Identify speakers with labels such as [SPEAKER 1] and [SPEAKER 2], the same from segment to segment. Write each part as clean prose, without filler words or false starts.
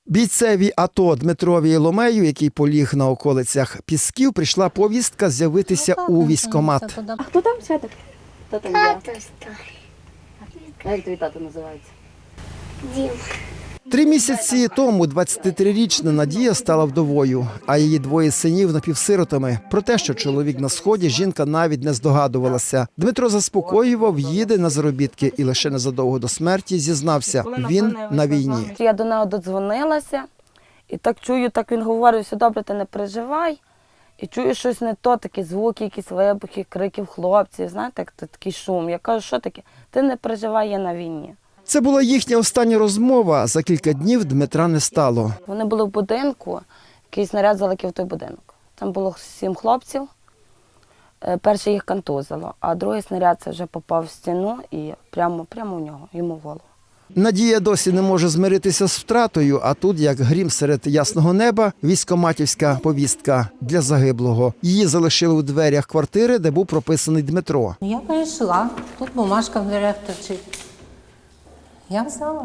[SPEAKER 1] Бійцеві АТО Дмитрові Іломею, який поліг на околицях Пісків, прийшла повістка з'явитися у військкомат.
[SPEAKER 2] А хто там святок?
[SPEAKER 3] Хто там
[SPEAKER 4] Тато
[SPEAKER 3] є?
[SPEAKER 4] старий.
[SPEAKER 3] Як твій тато називається?
[SPEAKER 4] Дім.
[SPEAKER 1] 3 місяці тому 23-річна Надія стала вдовою, а її двоє синів напівсиротами. Про те, що чоловік на сході, жінка навіть не здогадувалася. Дмитро заспокоював, їде на заробітки і лише незадовго до смерті зізнався – він на війні.
[SPEAKER 3] Я до нього додзвонилася і так чую, так він говорить, все добре, ти не переживай. І чую щось не то, такі звуки, якісь вибухи, криків хлопців, знаєте, як такий шум. Я кажу, що таке? Ти не переживай, я на війні.
[SPEAKER 1] Це була їхня остання розмова. За кілька днів Дмитра не стало.
[SPEAKER 3] Вони були в будинку, якийсь снаряд залетів в той будинок. Там було 7 хлопців, перший їх контузило, а другий снаряд це вже попав в стіну і прямо в нього, йому в голову.
[SPEAKER 1] Надія досі не може змиритися з втратою, а тут, як грім серед ясного неба, військкоматівська повістка для загиблого. Її залишили у дверях квартири, де був прописаний Дмитро.
[SPEAKER 5] Я перейшла, тут бумажка в дверях торчить. Я взяла.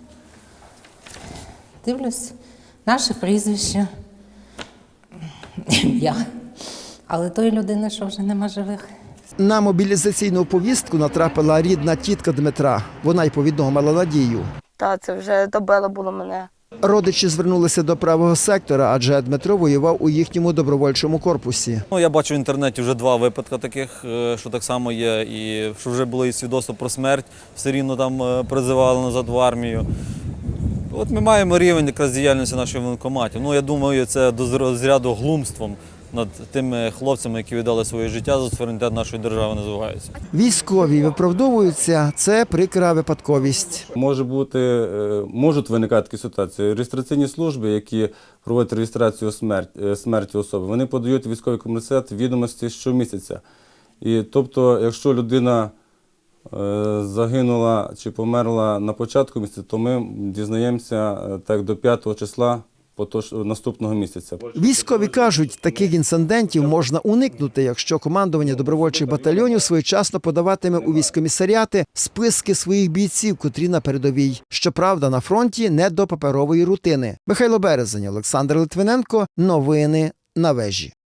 [SPEAKER 5] Дивлюсь, наше прізвище, ім'я. Але тої людини, що вже нема живих.
[SPEAKER 1] На мобілізаційну повістку натрапила рідна тітка Дмитра. Вона й повідомила Надію.
[SPEAKER 3] Та це вже добило було мене.
[SPEAKER 1] Родичі звернулися до правого сектора, адже Дмитро воював у їхньому добровольчому корпусі.
[SPEAKER 6] Я бачу в інтернеті вже 2 випадки таких, що так само є, і що вже було і свідоцтво про смерть, все рівно там призивали назад в армію. От ми маємо рівень якраз діяльності наших воєнкоматів. Я думаю, це до розряду глумством над тими хлопцями, які віддали своє життя за суверенітет нашої держави, називаються.
[SPEAKER 1] Військові виправдовуються – це прикра випадковість.
[SPEAKER 7] Можуть виникати такі ситуації. Реєстраційні служби, які проводять реєстрацію смерті особи, вони подають у військовий комісаріат відомості щомісяця. І тобто, якщо людина загинула чи померла на початку місяця, то ми дізнаємося так до 5 числа наступного місяця.
[SPEAKER 1] Військові кажуть, таких інцидентів можна уникнути, якщо командування добровольчих батальйонів своєчасно подаватиме у військкомісаріати списки своїх бійців, котрі на передовій. Щоправда, на фронті не до паперової рутини. Михайло Березень, Олександр Литвиненко. Новини на вежі.